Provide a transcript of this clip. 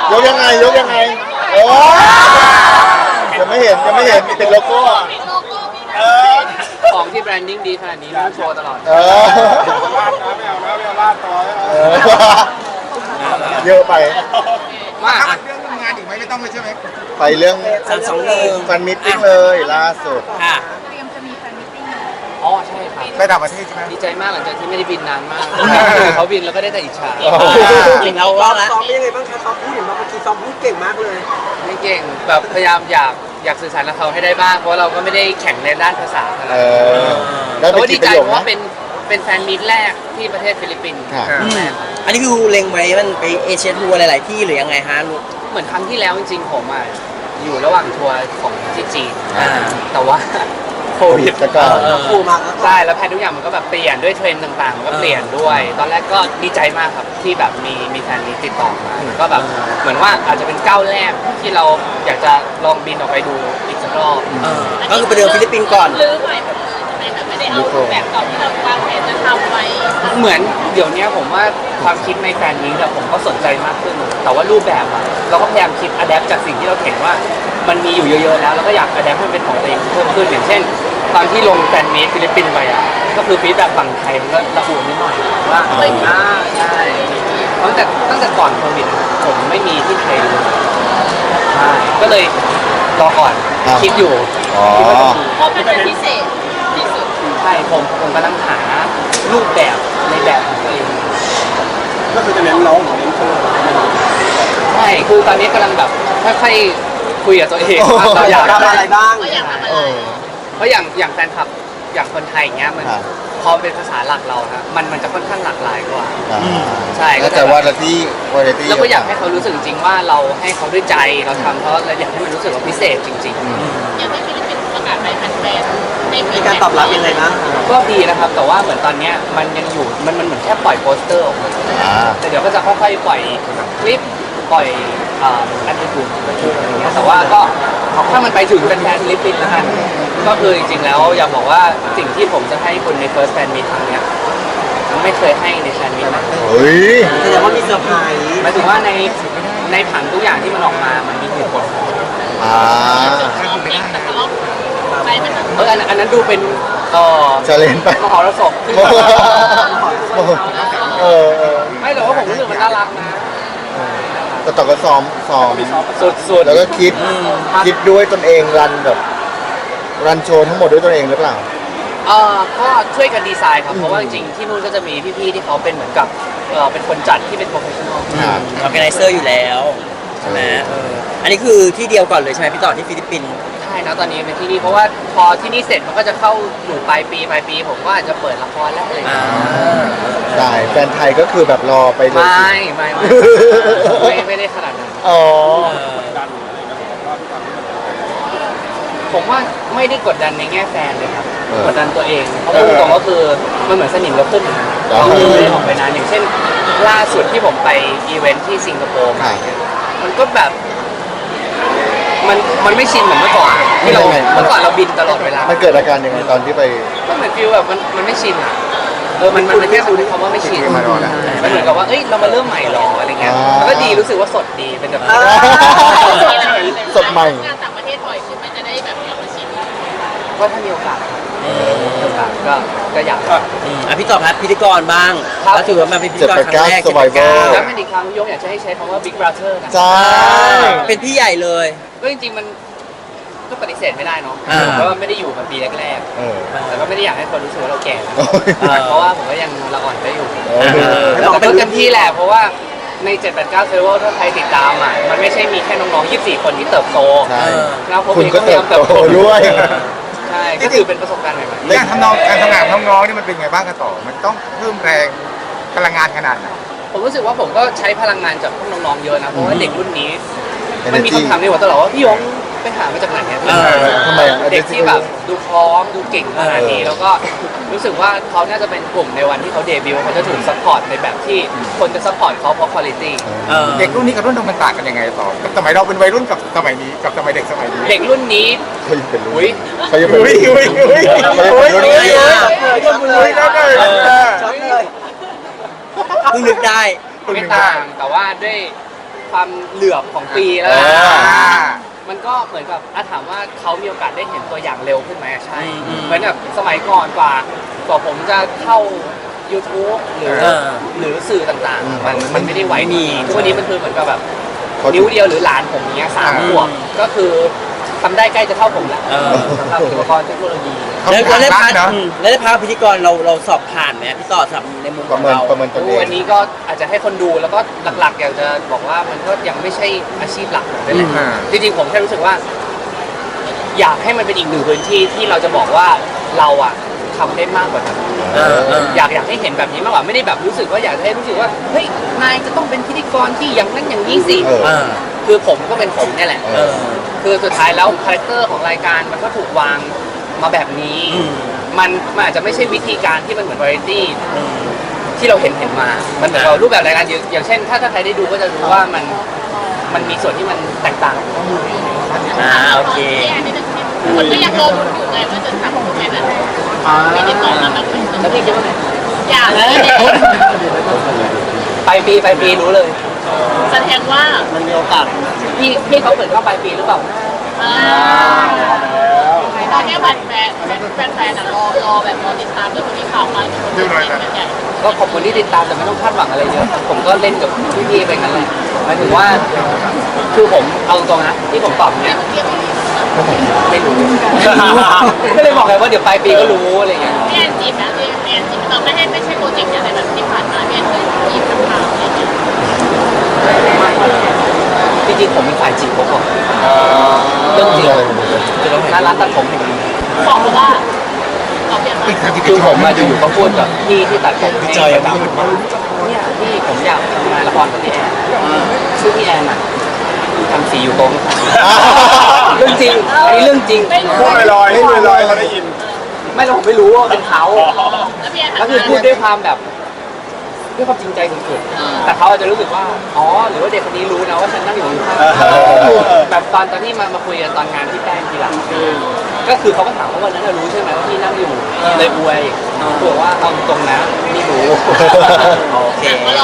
ยกยังไงโอ้ยังไม่เห็นติดโลโก้ของที่แบรนดิ้งดีขนาดนี้ต้องโชว์ตลอดเยอะไปมากเรื่องงานอีกไหมไม่ต้องเลยใช่ไหมไปเรื่อง 321 แฟนมิตติ้งเลยล่าสุดค่ะเตรียมจะมีแฟนมิตติ้งอ๋อใช่ครับไปต่างประเทศใช่ไหมดีใจมากหลังจากที่ไม่ได้บินนานมากเขาบินแล้วก็ได้แต่อิจฉาถึงเรารอบแล้วซ้อมยังไงบ้างคะซ้อมพูดเห็นว่าเมื่อกี้ซ้อมพูดเก่งมากเลยไม่เก่งแบบพยายามอยากสื่อสารกับเขาให้ได้บ้างเพราะเราก็ไม่ได้แข่งในด้านภาษาอะไรแต่ว่าดีใจเพราะว่าเป็นแฟนมิตรแรกที่ประเทศฟิลิปปินส์อันนี้คือเล็งไว้มันไปเอเชียทัวร์หลายๆที่หรือยังไงฮะลูกเหมือนครั้งที่แล้วจริงๆผมอยู่ระหว่างทัวร์ของที่จีนแต่ว่าโควิดแล้วก็ใช่แล้วแพททุกอย่างมันก็แบบเปลี่ยนด้วยเทรนด์ต่างๆมันก็เปลี่ยนด้วย ตอนแรกก็ดีใจมากครับที่แบบมีแฟนนี้ติดต่อมาก็แบบเหมือนว่าอาจจะเป็นก้าวแรกที่เราอยากจะลองบินออกไปดูอีกสักรอบก็คือไปเดินฟิลิปปินส์ก่อนหรือใหม่ไม่ได้เอาแบบเก่าที่เราวางแผนจะทำไว้เหมือนเดี๋ยวนี้ผมว่าความคิดในแฟนนี้แต่ผมก็สนใจมากขึ้นแต่ว่ารูปแบบเราก็พยายามคิดอะแดปจากสิ่งที่เราเห็นว่ามันมีอยู่เยอะๆแล้วก็อยากอะแดปให้มันเป็นของตัวเองเพิ่มขึ้นอย่างเช่นตอนที่ลงแฟนมีตฟิลิปปินส์ไปก็คือฟีดแบบฝั่งไทยมันก็ระอุนิดหน่อยว่าใช่ตั้งแต่ก่อนโควิดผมไม่มีที่ไทยเลยใช่ก็เลยรอก่อนคิดอยู่เพราะเป็นพิเศษที่สุดใช่ผมกำลังหารูปแบบในแบบของตัวเองก็คือจะเน้นร้องหรือเน้นโชว์ใช่คือตอนนี้กำลังแบบค่อยๆคุยกับตัวเองว่าเราอยากทำอะไรบ้างเพราะอย่างแฟนคลับอย่างคนไทยอย่างเงี้ยมันพอเป็นภาษาหลักเรานะมันจะค่อนข้างหลากหลายกว่าใช่ก็แต่ว่าที่เราก็อยากให้เขารู้สึกจริงว่าเราให้เขาด้วยใจเราทำเพราะเราอยากให้มันรู้สึกว่าพิเศษจริงๆอย่างที่ฟิลิปปินส์ประกาศไปแฟนมีการตอบรับยังไงบ้างก็ดีนะครับแต่ว่าเหมือนตอนเนี้ยมันยังอยู่มันเหมือนแค่ปล่อยโปสเตอร์ออกมาแต่เดี๋ยวก็จะค่อยๆปล่อยคลิปปล่อยแอปพลิเคชันอะไรเงี้ยแต่ว่าก็ถ้ามันไปถึงเป็นแฟนฟิลิปปินส์นะครับก็คือจริงๆแล้วอยากบอกว่าสิ่งที่ผมจะให้คุณใน First Fan Meet ครั้งเนี้ยไม่เคยให้ในแฟนมิตนะเฮ้ยแสดงว่ามีเซอร์ไพรส์หมายถึงว่าในผังทุกอย่างที่มันออกมามันมีเหตุผลอันนั้นดูเป็นจะเล่นไปมหรสพไม่แต่ว่าผมรู้สึกมันน่ารักนะแต่ต่อก็ซ้อมสุดแล้วก็คิดด้วยตนเองรันโชว์ทั้งหมดด้วยตนเองหรือเปล่าก็ช่วยกันดีไซน์ครับเพราะว่าจริงๆที่นู่นก็จะมีพี่ๆที่เขาเป็นเหมือนกับเป็นคนจัดที่เป็นโปรเฟชชั่นอลออร์แกไนเซอร์อยู่แล้วใช่ไหมอันนี้คือที่เดียวก่อนเลยใช่ไหมพี่ต่อที่ฟิลิปปินส์ใช่นะตอนนี้เป็นที่นี่เพราะว่าพอที่นี่เสร็จมันก็จะเข้าอยู่ปลายปีผมก็อาจจะเปิดละครแล้วอะไรอย่างเงี้ยได้แฟนไทยก็คือแบบรอไปเลยไม่ได้ขนาดนั้นผมว่าไม่ได้กดดันในแง่แฟนเลยครับกดดันตัวเองเพราะตรงก็คือมันเหมือนสนิมเราขึ้นเราไม่ได้ออกไปนานอย่างเช่นล่าสุดที่ผมไปอีเวนท์ที่สิงคโปร์มันก็แบบมันไม่ชินเหมือนเมื่อก่อนที่เราเมื่อก่อนเราบินตลอดเวลามันเกิดอาการยังไงตอนที่ไปก็เหมือนฟีลแบบมันไม่ชินมันแค่คำว่าไม่ชินมันเหมือนกับว่าเอ้ยเรามาเริ่มใหม่หรออะไรเงี้ยมันก็ดีรู้สึกว่าสดดีเป็นแบบสดใหม่งานต่างประเทศบ่อยขึ้นมันจะได้แบบมาชินก็ถ้ามีโอกาสก็อยากพี่ต่อพัดพิธีกรบ้างแล้วถือว่ามาเป็นพิธีกรครั้งแรกแล้วเป็นอีกครั้งยกอยากจะให้ใช้คำว่า Big Brother นะใช่เป็นพี่ใหญ่เลยก็จริงๆมันก็ปฏิเสธไม่ได้เนาะเพราะว่าไม่ได้อยู่มาปีแรกๆแต่ก็ไม่ได้อยากให้คนรู้สึกว่าเราแก่เพราะว่าผมก็ยังละอ่อนได้อยู่แล้วก็เป็นเต็มที่แหละเพราะว่าใน789เซอร์เวอร์ถ้าใครติดตามมันไม่ใช่มีแค่น้องๆ24คนที่เติบโตแล้วผมเองก็พยายามเติบโตด้วยใช่ก็คือเป็นประสบการณ์ใหม่ๆการทำงานน้องๆนี่มันเป็นไงบ้างกันต่อมันต้องเพิ่มแรงพลังงานขนาดไหนผมรู้สึกว่าผมก็ใช้พลังงานจากพวกน้องๆเยอะนะเพราะว่าเด็กรุ่นนี้มันมีคำถามในหัวตลอดว่าพี่ยงไปหามาจากไหนเนี่ยทำไมเด็กที่แบบดูพร้อมดูเก่งขนาดนี้แล้วก็รู้สึกว่าเขาน่าจะเป็นกลุ่มในวันที่เขาเดบิวต์เขาจะถูกซัพพอร์ตในแบบที่คนจะซัพพอร์ตเขาเพราะคุณภาพเด็กรุ่นนี้กับรุ่นมันต่างกันยังไงต่อสมัยเราเป็นวัยรุ่นกับสมัยนี้กับสมัยเด็กสมัยนี้เด็กรุ่นนี้เขายังเป็นอุ้ยเขายังเป็นเพิ่งนึกได้ไม่ต่างแต่ว่าด้วยความเหลือบของปีแล้วกันอ่ามันก็เหมือนกับถามว่าเขามีโอกาสได้เห็นตัวอย่างเร็วขึ้นไหมใช่อืมเหมือนแบบสมัยก่อนกว่าผมจะเข้า YouTube หรือเออหรือสื่อต่างๆ มันไม่ได้ไวไม่มีทุกวันนี้มันคือเหมือนกับแบบเขานิ้วเดียวหรือหลานผมอย่างเงี้ย3 ขวบก็คือทำได้ใกล้จะเท่าผมแล้วเออสำหรับอุปกรณ์เทคโนโลยีแล้วได้พาร์ทเนาะแล้วได้พาร์ทพิธีกรเราสอบผ่านไหมพี่ต่อสำหรับในมุมปขระองเมินเราประเมินตนเอวันงนี้ก็อาจจะให้คนดูแล้วก็หลักๆอยากจะบอกว่ามันก็ยังไม่ใช่อาชีพหลักนั่นแหละอืมจริงๆผมแค่รู้สึกว่า อยากให้มันเป็นอีกหนึ่งพื้นที่ที่เราจะบอกว่าเราอะทำได้มากกว่านั้นเอออยากให้เห็นแบบนี้มากกว่าไม่ได้แบบรู้สึกว่าอยากให้รู้สึกว่าเฮ้ยนายจะต้องเป็นพิธีกรที่อย่างนั้นอย่างนี้สิเอออ่าคือผมก็เป็นผมเนี่ยแหละเออคือสุดท้ายแล้วคาแรคเตอร์ของรายการมันก็ถูกวางมาแบบนี้อืมมันอาจจะไม่ใช่วิธีการที่มันเหมือนวาไรตี้ที่เราเห็นมา มันเหมือนกับรูปแบบรายการอย่างเช่น ถ้าใครได้ดูก็จะรู้ว่ามันมีส่วนที่มันแตกต่างโอเคคนก็ยังรอลุ้นอยู่ไงว่าจะทำยังไงแบบไม่ได้ตอบมาแบบแล้วพี่คิดว่าไงอยากเลยปลายปีรู้เลยแสดงว่ามันมีโอกาสพี่เขาเปิดเข้าปลายปีหรือเปล่าตอนนี้แฟนรอแบบรอติดตามเรื่องที่ข่าวมาเป็นใหญ่ก็ขอบคุณที่ติดตามแต่ไม่ต้องคาดหวังอะไรเยอะผมก็เล่นกับพี่ๆไปงั้นแหละหมายถึงว่าคือผมเอาตรงๆนะที่ผมตอบเนี่ยไม่รู้ก็เลยบอกไงว่าเดี๋ยวปลายปีก็รู้อะไรเงี้ยพี่แอนจีบนะพี่แอนจีบเราไม่ใช่โปรเจกต์อะไรแบบที่ผ่านมาพี่แอนเคยจีบข่าวอะไรอย่างเงี้ยจริงๆผมเป็นฝ่ายจีบเขาก่อนเรื่องจริงน่ารักตัดผมอย่างนี้บอกว่าตอบอย่างไรคือผมมาอยู่ๆก็พูดกับพี่ที่ตัดผมให้ประจำเนี่ยพี่ผมอยากทำงานละครกับพี่แอนชื่อพี่แอนอ่ะทำสีอยู่ตรงเรื่องจริงอันนี้เรื่องจริงไม่รู้พูดลอยๆพูดลอยๆเขาได้ยินไม่เราผมไม่รู้ว่าเป็นเขาแล้วพี่แอนแล้วคือพูดด้วยความแบบด้วยความจริงใจสุดๆแต่เขาอาจจะรู้สึกว่าอ๋อหรือว่าเด็กคนนี้รู้นะว่าฉันนั่งอยู่ข้างๆแบบตอนที่มาคุยกันตอนงานที่แป้งทีหลังก็คือเขาก็ถามว่าวันนั้นรู้ใช่ไหมว่าพี่นั่งอยู่เลยอวยบอกว่าเอาตรงนะไม่รู้โอเคก็ร